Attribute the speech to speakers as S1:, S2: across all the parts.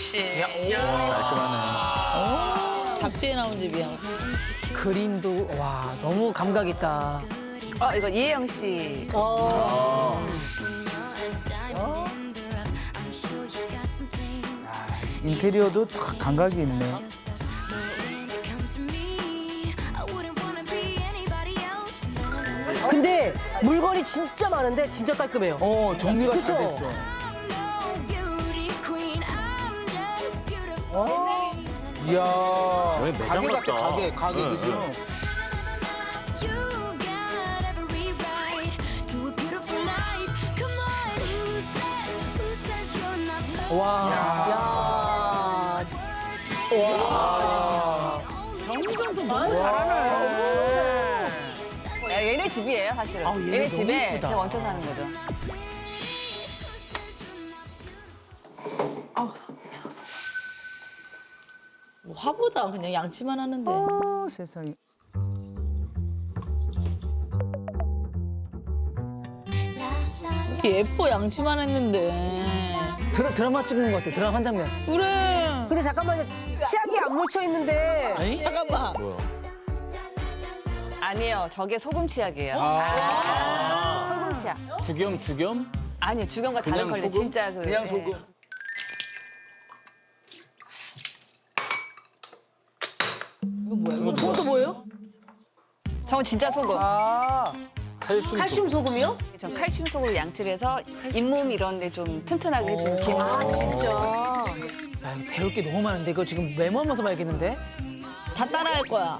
S1: 역시.
S2: 깔끔하네.
S1: 잡지에 나온 집이야.
S3: 그림도 와 너무 감각 있다.
S4: 이거 이혜영 씨.
S2: 인테리어도 탁 감각이 있네.
S5: 근데 물건이 진짜 많은데 진짜 깔끔해요.
S2: 정리가
S5: 그쵸?
S2: 잘 됐어. 이야,
S6: 여기 매장
S2: 가게 같다,
S6: 같다.
S2: 가게,
S6: 네,
S2: 그죠?
S6: 네.
S5: 야.
S4: 얘네 집이에요, 사실은. 얘네 집에 제가 얹혀 사는 거죠.
S1: 뭐 화보다 그냥 양치만 하는데.
S2: 세상에.
S1: 이렇게 예뻐 양치만 했는데.
S3: 드라마 찍는 것 같아. 드라마 한 장면.
S1: 그래.
S5: 근데 잠깐만요. 치약이 안 묻혀 있는데.
S1: 잠깐만.
S4: 아니에요, 저게 소금 치약이에요. 소금 치약.
S6: 죽염?
S4: 아니요, 주경과 다른
S6: 그냥
S4: 걸로
S6: 소금?
S4: 진짜
S2: 그냥
S4: 예.
S2: 소금.
S1: 이거 뭐야?
S5: 저것도 뭐예요?
S4: 저건 진짜 소금.
S5: 칼슘 소금이요?
S4: 전 칼슘 소금을 양치를 해서 잇몸 이런 데 좀 튼튼하게 해주는 기능.
S5: 진짜.
S3: 야, 배울 게 너무 많은데 이거 지금 메모하면서 봐야겠는데?
S1: 다 따라할 거야.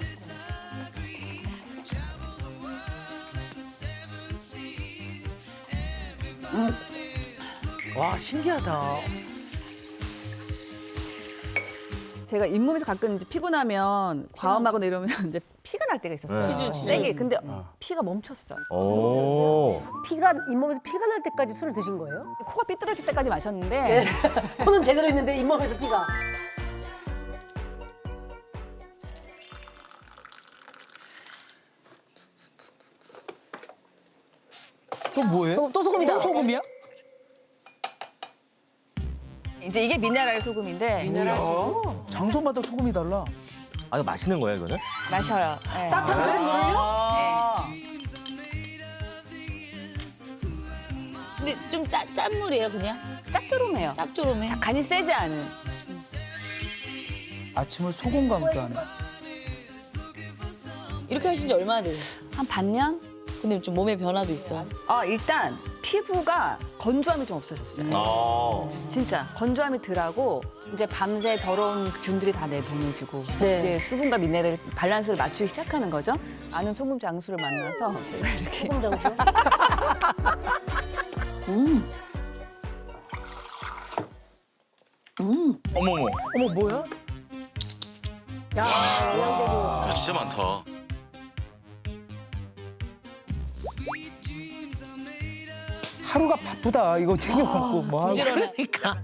S3: 와 신기하다.
S4: 제가 잇몸에서 가끔 이제 피곤하면 과음하거나 이러면 이제 피가 날 때가 있었어요. 세게. 근데 피가 멈췄어요.
S6: 오.
S5: 피가 잇몸에서 피가 날 때까지 술을 드신 거예요?
S4: 코가 삐뚤어질 때까지 마셨는데
S5: 코는 제대로 있는데 잇몸에서 피가.
S2: 또 뭐예요?
S5: 또 소금이다.
S2: 또 소금이야?
S4: 이제 이게 미네랄 소금인데
S2: 장소마다 소금이 달라.
S6: 아, 이거 마시는 거예요, 이거는?
S4: 마셔요. 네.
S5: 따뜻한 소금물을요?
S1: 근데 좀 짠 물이에요 그냥.
S4: 짭조름해요.
S1: 짭조름해.
S4: 간이 세지 않은.
S2: 아침을 소금과 함께 하네.
S1: 이렇게 하신 지 얼마나 되셨어?
S4: 한 반년?
S1: 근데 좀 몸에 변화도 있어.
S4: 일단 피부가 건조함이 좀 없어졌어요. 진짜 건조함이 덜하고 이제 밤새 더러운 균들이 다 내보내지고
S5: 네.
S4: 이제 수분과 미네랄 밸런스를 맞추기 시작하는 거죠. 아는 소금 장수를 만나서 제가 이렇게
S5: 소금 장수.
S6: 어머머.
S5: 어머 뭐야? 야, 영양제도.
S6: 아, 진짜 많다.
S2: 하루가 바쁘다. 이거 챙겨갖고 뭐 하고.
S1: 부지런해.
S3: 그러니까.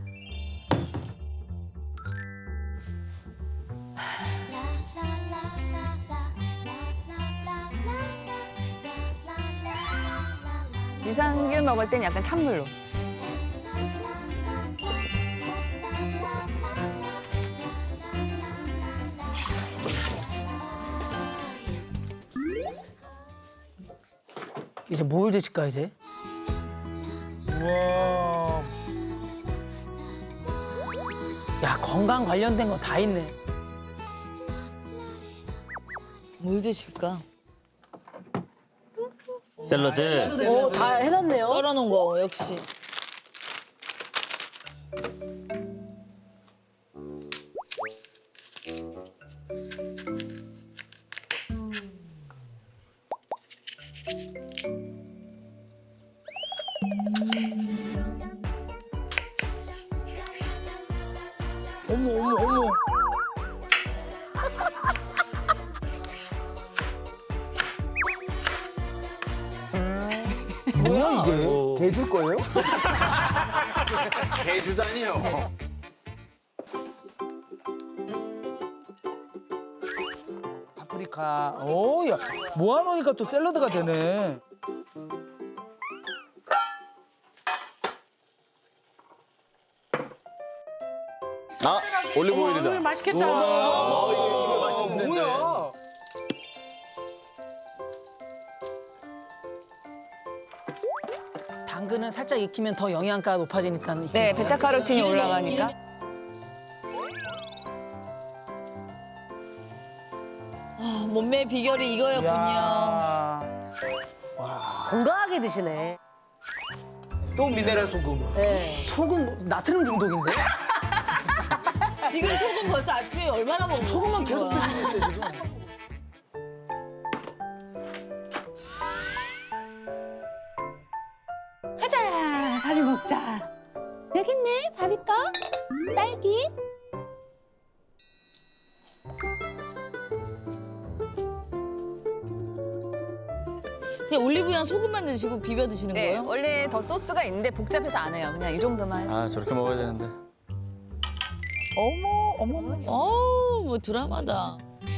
S4: 유산균 먹을 땐 약간 찬물로.
S3: 이제 뭘 드실까 이제?
S2: 우와.
S3: 야 건강 관련된 거 다 있네.
S1: 뭘 드실까?
S6: 샐러드.
S5: 오, 다 해놨네요.
S1: 썰어놓은 거 역시.
S2: 어머. 뭐야 이게? 개줄 거예요?
S6: 개주다니요.
S2: 파프리카. 오, 야, 모아놓으니까 또 샐러드가 되네.
S6: 아 올리브 오일이다.
S3: 맛있겠다.
S6: 이거 맛있는데.
S2: 뭐야?
S3: 당근은 살짝 익히면 더 영양가가 높아지니까.
S4: 네, 베타카로틴이 올라가니까.
S1: 아, 몸매 비결이 이거였군요.
S2: 야.
S5: 건강하게 드시네.
S2: 또 미네랄 소금.
S5: 네.
S3: 소금 나트륨 중독인데?
S1: 지금 소금 벌써 아침에 얼마나 먹고
S3: 소금만
S1: 드신
S3: 계속
S1: 거야?
S3: 드시고 있어요 지금.
S7: 가자, 밥이 먹자. 여기 있네, 밥 있다. 딸기.
S1: 그냥 올리브유랑 소금만 넣으시고 비벼 드시는
S4: 네,
S1: 거예요?
S4: 원래 더 소스가 있는데 복잡해서 안 해요. 그냥 이 정도만.
S6: 아 저렇게 먹어야 되는데.
S2: 어머.
S1: 어우, 뭐 드라마다.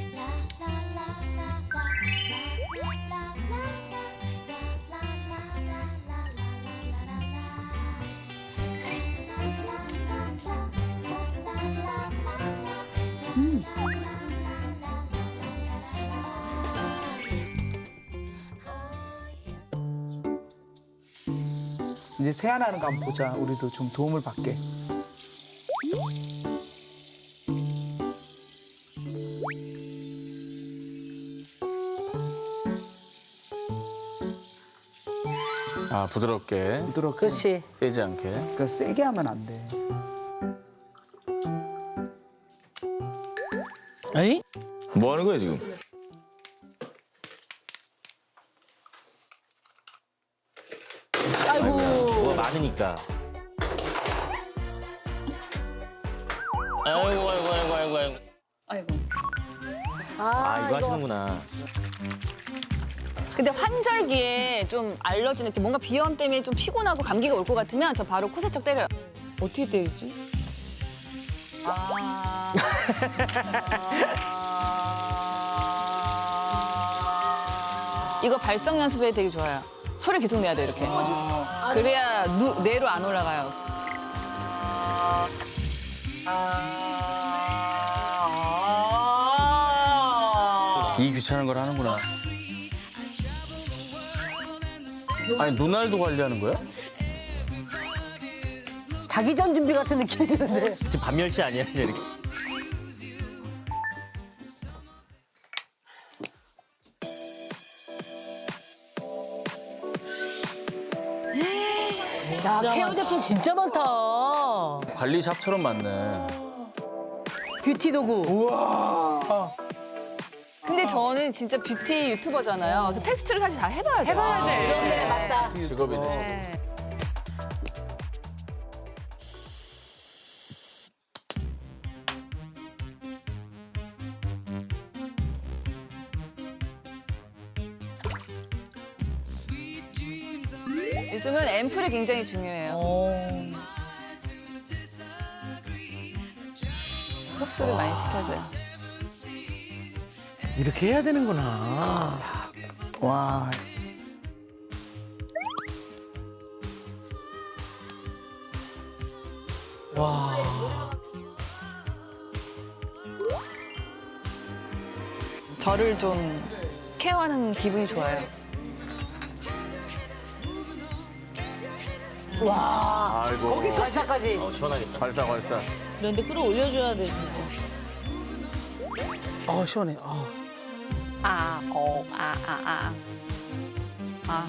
S2: 이제 세안하는 거 한번 보자. 우리도 좀 도움을 받게.
S6: 아 부드럽게
S2: 부드럽게.
S5: 그렇지.
S6: 세지 않게.
S2: 그러니까 세게 하면 안 돼.
S3: 에이?
S6: 뭐 하는 거야 지금?
S8: 뭐가 많으니까. 아이고. 아, 이거 하시는구나.
S4: 근데 환절기에 좀 알러지 느낌, 뭔가 비염 때문에 좀 피곤하고 감기가 올 것 같으면 저 바로 코 세척 때려요.
S1: 어떻게 때리지?
S4: 이거 발성 연습에 되게 좋아요. 소리 계속 내야 돼 이렇게. 그래야 뇌로 안 올라가요.
S6: 이 귀찮은 걸 하는구나. 아니 눈알도 관리하는 거야?
S5: 자기 전 준비 같은 느낌이 드는데.
S8: 지금 반멸치 아니야, 이제 이렇게.
S5: 야,
S1: 진짜
S5: 케어
S1: 많다.
S5: 제품 진짜 많다.
S6: 관리샵처럼 많네.
S5: 뷰티 도구.
S4: 근데 저는 진짜 뷰티 유튜버잖아요. 그래서 테스트를 사실 다 해봐야 돼요. 해봐야 돼.
S5: 그런데 맞다.
S6: 직업이네. 직업.
S4: 네. 요즘은 앰플이 굉장히 중요해요. 흡수를 많이 시켜줘요.
S3: 이렇게 해야 되는구나.
S2: 와.
S3: 와.
S4: 저를 좀 케어하는 기분이 좋아요.
S6: 아이고.
S5: 발사까지.
S8: 시원하겠다.
S6: 발사.
S1: 그런데 끌어올려줘야 돼, 진짜.
S2: 시원해.
S4: 아.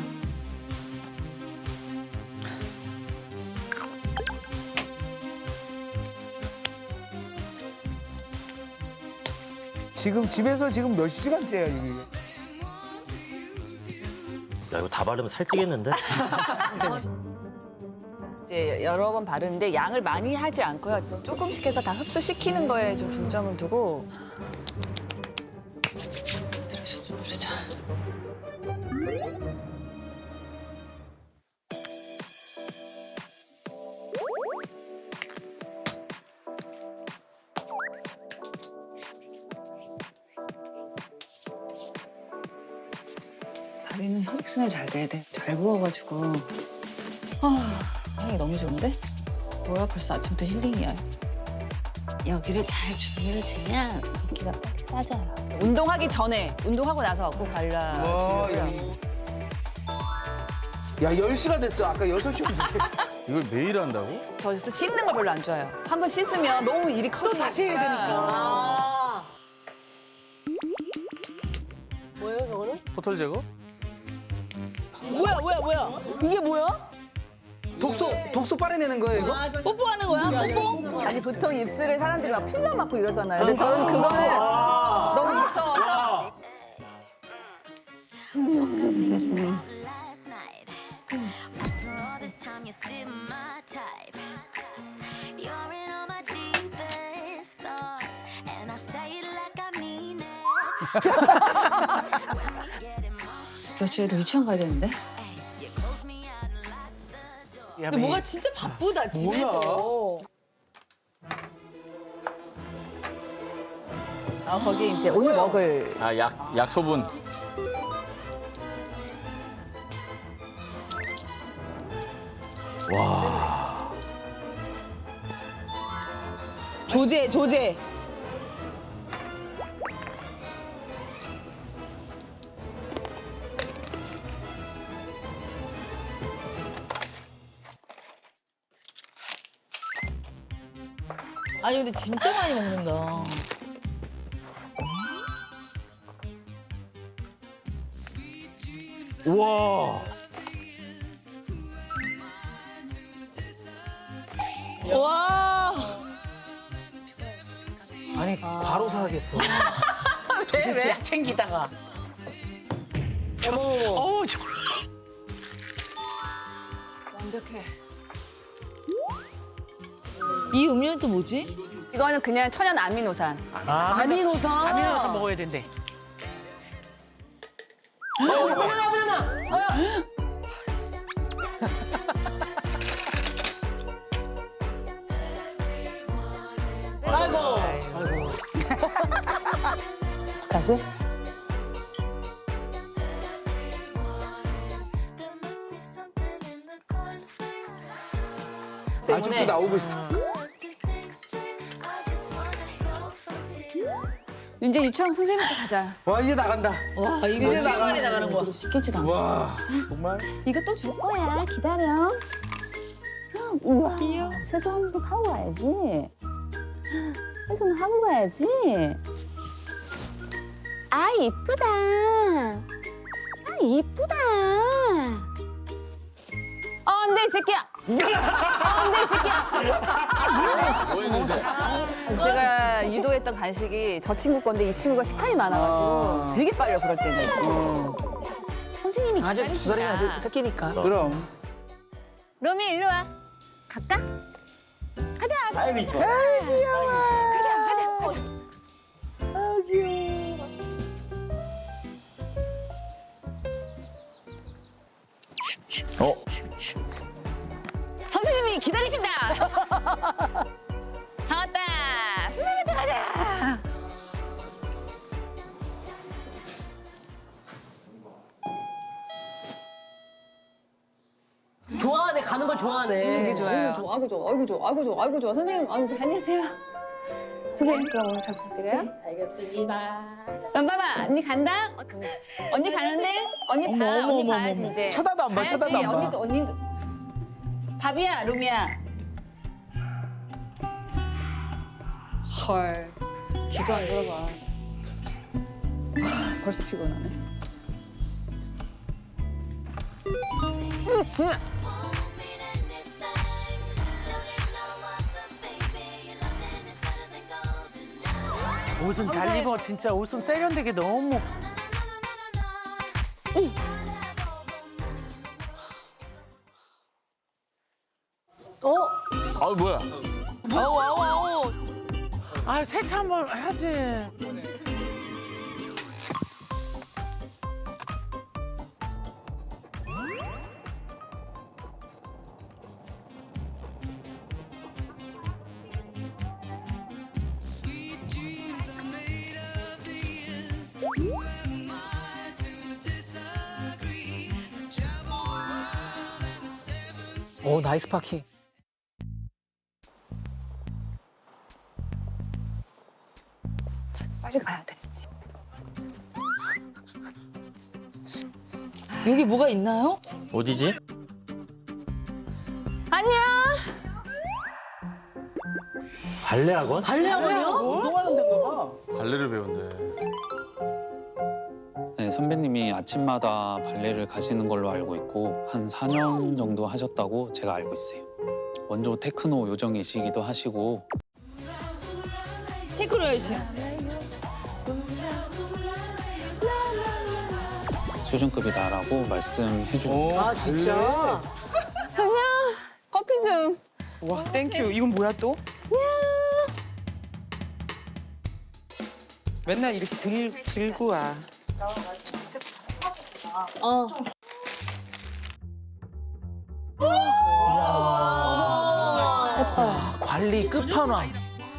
S2: 지금 집에서 지금 몇 시간째야 이게.
S8: 야, 이거 다 바르면 살찌겠는데?
S4: 이제 여러 번 바르는데 양을 많이 하지 않고요. 조금씩 해서 다 흡수시키는 거에 좀 중점을 두고.
S9: 다리는 혈액순환이 잘 돼야 돼. 잘 부어가지고. 향이 너무 좋은데? 뭐야, 벌써 아침부터 힐링이야.
S7: 여기를 잘 준비를 주면 붓기가 빡 빠져요.
S4: 운동하기 전에, 운동하고 나서 꼭 발라주고요.
S2: 야 10시가 됐어. 아까 6시였는데.
S6: 이걸 매일 한다고?
S4: 저 씻는 걸 별로 안 좋아해요. 한 번 씻으면 너무 일이 커지니까. 또
S3: 다시 해야 되니까.
S5: 뭐예요, 저거는?
S6: 포털 제거?
S1: 뭐야? 이게 뭐야?
S2: 독소 빨아내는 거예요 이거?
S1: 뽀뽀하는 거야? 뽀뽀?
S4: 아니 보통 입술에 사람들이 막 필러 맞고 이러잖아요. 근데 저는 그거는 너무 무서워서.
S9: 며칠 애들 유치원 가야 되는데?
S1: 근데 뭐가 진짜 바쁘다 집에서.
S4: 거기 이제 오늘 먹을
S6: 아, 약 소분.
S1: 조제. 아니 근데 진짜 많이 먹는다.
S6: 우와.
S1: 와.
S3: 아니 바로 사겠어.
S4: 왜?
S3: 약 챙기다가. 어머. 저.
S9: 완벽해.
S1: 이 음료는 또 뭐지?
S4: 이거는 그냥 천연 아미노산.
S5: 아미노산.
S3: 아미노산 먹어야 된대.
S5: 아이고.
S9: 가지?
S2: 아직도 나오고 있어.
S4: 이제 유치원 선생님한테 가자.
S2: 와 이제 나간다.
S1: 와 이거 시간이 나가는 거야.
S9: 시키지도 않았어.
S2: 와 정말.
S7: 이거 또 줄 거야. 기다려. 우와. 세수 한번 하고 가야지. 세수는 하고 가야지. 아 이쁘다. 아 이쁘다.
S4: 안돼 이 새끼야. 안돼 이 새끼야.
S6: 뭐 했는데?
S4: 제가 유도했던 간식이 저 친구 건데 이 친구가 식탐이 많아가지고 되게 빨려 그럴 때는.
S7: 선생님이
S3: 아직 2살이면 아직 새끼니까.
S2: 그럼.
S7: 로미 일로 와. 갈까?
S8: 아이고 이뻐.
S6: 어?
S7: 선생님이 기다리신다. 다 왔다. 선생님한테 가자.
S5: 좋아하네, 가는 걸 좋아하네.
S4: 되게 좋아요.
S9: 아이고 좋아, 아이고 좋아, 아이고 좋아, 아이고 좋아. 선생님, 안녕하세요. 선생님, 그럼 오늘 잘 부탁드려요.
S7: 알겠습니다.
S4: 그럼 봐봐 언니 간다. 언니 가는데 언니 봐. 언니 봐야지 이제.
S2: 쳐다도 안 봐,
S4: 봐야지.
S2: 쳐다도 안 봐.
S4: 언니도. 밥이야 루미야.
S9: 헐. 뒤도 안 돌아봐. 벌써 피곤하네.
S3: 옷은 잘 입어. 진짜 옷은 세련되게 너무.
S6: 아 뭐야?
S1: 아우.
S3: 아 세차 한번 해야지. 오 나이스 파킹.
S9: 빨리 가야 돼.
S1: 여기 뭐가 있나요?
S8: 어디지?
S9: 안녕.
S8: 발레 학원?
S5: 발레 학원이요?
S2: 운동하는 데인가 봐.
S6: 발레를 배운대.
S10: 네, 선배님이 아침마다 발레를 가시는 걸로 알고 있고 한 4년 정도 하셨다고 제가 알고 있어요. 원조 테크노 요정이시기도 하시고
S1: 테크노 열심.
S10: 수준급이다라고 말씀해 주셨어요.
S5: 아 진짜?
S9: 커피 좀.
S2: 와, 땡큐. 이건 뭐야 또? 맨날 이렇게 들고 와.
S9: 어.
S3: 관리 끝판왕.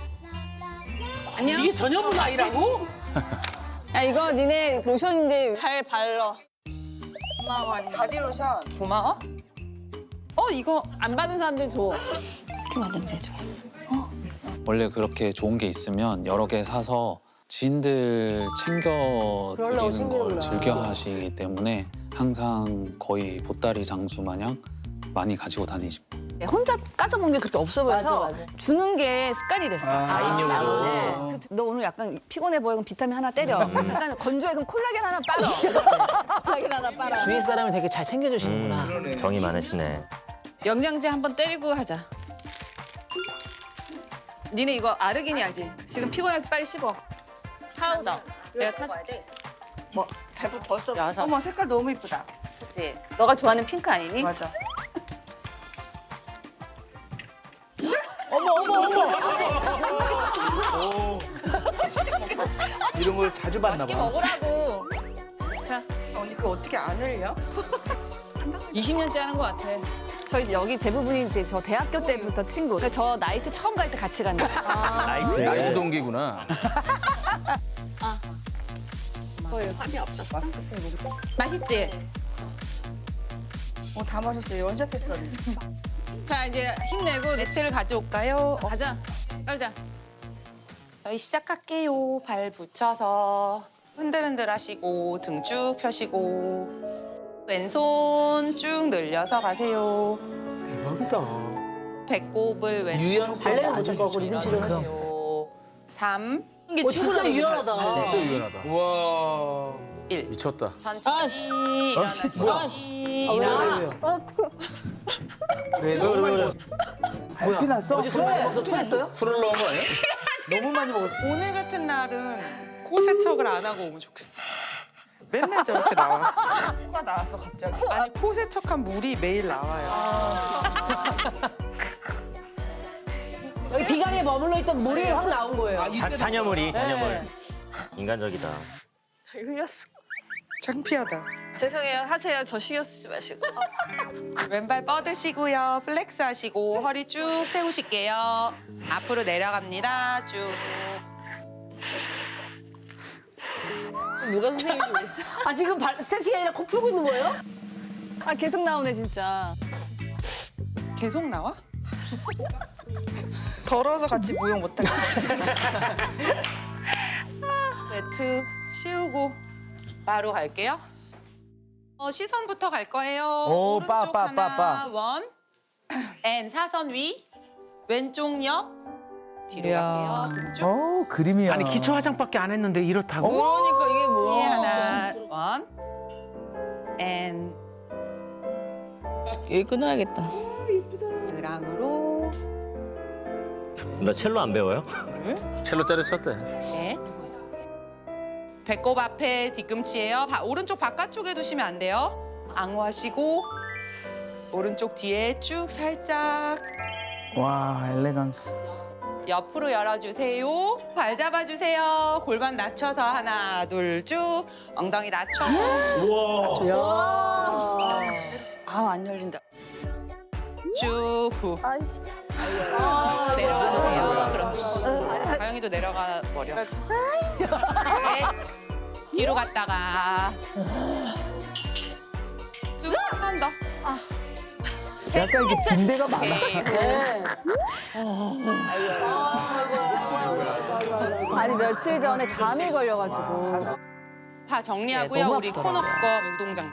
S9: 안녕.
S3: 이게 전현무가 아니라고?
S9: 야 이거 니네 로션인데 잘 발라.
S2: 고마워. 바디로션. 고마워. 이거
S9: 안 받은 사람들 줘.
S10: 원래 그렇게 좋은 게 있으면 여러 개 사서 지인들 챙겨
S5: 그러려고
S10: 드리는 걸
S5: 챙기는구나.
S10: 즐겨 하시기 때문에 항상 거의 보따리 장수 마냥 많이 가지고 다니십니다.
S4: 네, 혼자 까서 먹는 게 그렇게 없어 보여서
S5: 맞아, 맞아.
S4: 주는 게 습관이 됐어.
S8: 아인용으로.
S4: 네. 너 오늘 약간 피곤해 보여. 그럼 비타민 하나 때려. 약간 건조해. 그럼 콜라겐 하나 빨아.
S5: 콜라겐 하나 빨아. 주위 사람을 되게 잘 챙겨주시는구나.
S8: 정이 많으시네.
S9: 영양제 한번 때리고 하자. 니네 이거 아르기니 알지? 지금 피곤할 때 빨리 씹어. 파우더. 내가 타줄게.
S2: 배부 벌써. 어머, 색깔 너무 이쁘다.
S9: 그치? 너가 좋아하는 핑크 아니니?
S2: 맞아. 이런 걸 자주 봤나
S9: 맛있게
S2: 봐.
S9: 먹으라고. 자,
S2: 언니 그거 어떻게 안 흘려?
S9: 20년째 하는 것 같아.
S4: 저희 여기 대부분이 이제 저 대학교 때부터 친구. 그러니까 저 나이트 처음 갈 때 같이 간 거예요.
S8: 나이트.
S6: 나이트 동기구나.
S9: 맛있지?
S2: 다 마셨어요. 원샷했어.
S9: 자, 이제 힘내고
S2: 매트를 가져올까요?
S9: 가자. 떨자.
S11: 저희 시작할게요. 발 붙여서 흔들흔들 하시고 등 쭉 펴시고 왼손 쭉 늘려서 가세요.
S2: 대박이다.
S11: 배꼽을 왼쪽
S2: 유연성
S5: 발레는
S2: 아주
S5: 못할 거고
S2: 좋잖아.
S5: 리듬 치료는 하지.
S11: 하세요. 3,
S5: 이게 진짜 유연하다.
S6: 진짜 유연하다.
S2: 와.
S11: 1.
S6: 미쳤다.
S11: 천천히 일어나시고 일어나.
S2: 왜 너무 많이 먹었어? 발피 났어?
S5: 어제 술 많이 먹어서 토했어요?
S6: 술을 넣은 거 아니야?
S2: 너무 많이 먹었어.
S11: 오늘 같은 날은 코 세척을 안 하고 오면 좋겠어. 맨날 저렇게 나와. 코가 나왔어 갑자기. 아니 코 세척한 물이 매일 나와요.
S5: 여기 비강에 머물러 있던 물이 확 나온 거예요.
S8: 잔여물이 잔여물.
S5: 네.
S8: 인간적이다.
S11: 흘렸어. 창피하다.
S9: 죄송해요. 하세요. 저 신경 쓰지 마시고.
S11: 왼발 뻗으시고요. 플렉스 하시고 허리 쭉 세우실게요. 앞으로 내려갑니다. 쭉.
S9: 누가 선생님이
S5: 아 지금 스트레칭이 아니라 코 풀고 있는 거예요?
S4: 아 계속 나오네 진짜.
S11: 계속 나와? 더러워서 같이 무용 못하겠다. 매트 치우고 바로 갈게요. 시선부터 갈 거예요.
S2: 오,
S11: 오른쪽
S2: 빠.
S11: 하나, 원. 앤 사선 위. 왼쪽 옆. 뒤로 갈게요. 등 쭉.
S2: 그림이야.
S3: 아니 기초 화장밖에 안 했는데 이렇다고?
S9: 그러니까 이게
S11: 위
S9: 뭐야.
S11: 하나, 원. 앤
S1: 여기 끊어야겠다.
S11: 드랑으로.
S8: 나 첼로 안 배워요?
S6: 첼로 때려쳤대.
S11: 네. 배꼽 앞에 뒤꿈치예요. 오른쪽 바깥쪽에 두시면 안 돼요. 앙호하시고 오른쪽 뒤에 쭉 살짝
S2: 와, 엘레강스.
S11: 옆으로 열어주세요. 발 잡아주세요. 골반 낮춰서 하나, 둘, 쭉. 엉덩이 낮춰.
S4: 안 열린다.
S11: 쭉 후. 내려가도 돼요. 그렇지. 가영이도 내려가 버려. 셋. 뒤로 갔다가 쭉 한 번 더. 셋.
S2: 약간 이게 빈대가 많아.
S4: 아니 며칠 전에 감이 걸려가지고.
S11: 파 정리하고요.
S4: 너무
S11: 우리
S4: 아프더라.
S11: 코너 거 운동장.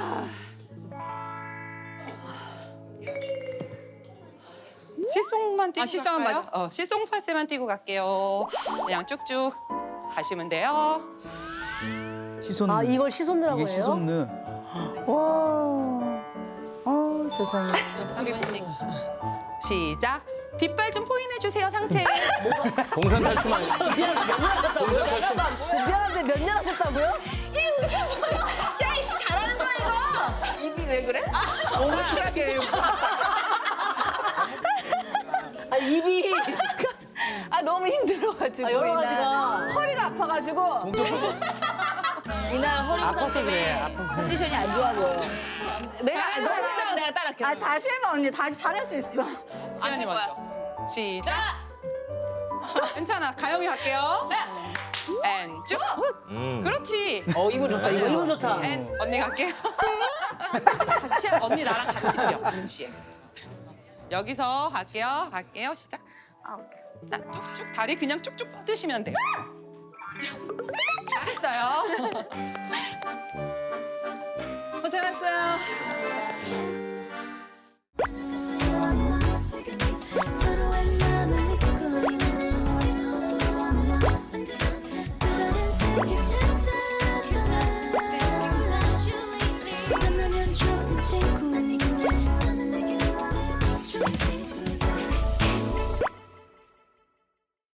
S11: 시송만 띄고
S9: 시송은
S11: 갈까요? 시송 파스만 띄고 갈게요. 그냥 쭉쭉 가시면 돼요.
S2: 시손.
S1: 아 이걸 시손느라고
S2: 이게
S1: 해요?
S2: 시손느. 와. 아 세상에.
S11: 한 분씩. 시작. 뒷발 좀 포인해 주세요, 상체.
S6: 동산 탈춤 아니야?
S1: 미안한데 몇 년 하셨다고요?
S11: 야이씨 잘하는 거야 이거. 입이 왜 그래? 옹졸하게.
S1: 아 입이
S4: 아 너무 힘들어가지고.
S1: 여러
S4: 이날.
S1: 가지가.
S4: 허리가 아파가지고.
S1: 이날 허리
S3: 아파서
S1: 부상
S3: 그래,
S1: 때문에
S3: 아픈
S1: 컨디션이 안 좋아 보여.
S4: 내가 따라할게. 아 다시 해봐 언니. 다시 잘할 수 있어.
S11: 시연이 먼저. 시작. 괜찮아. 가영이 갈게요. 앤 쭉. 그렇지.
S1: 이거 좋다. 이거 좋다.
S11: 앤 언니 갈게요. 같이 언니 나랑 같이 뛰어. 동시에. 여기서 갈게요. 시작. 나 쭉쭉 다리 그냥 쭉쭉 뻗으시면 돼요. 잘했어요. 고생했어요.
S12: 서로의 마음을 잊고 있는 새로운 꿈을 만들어 또 다른 세계 찾아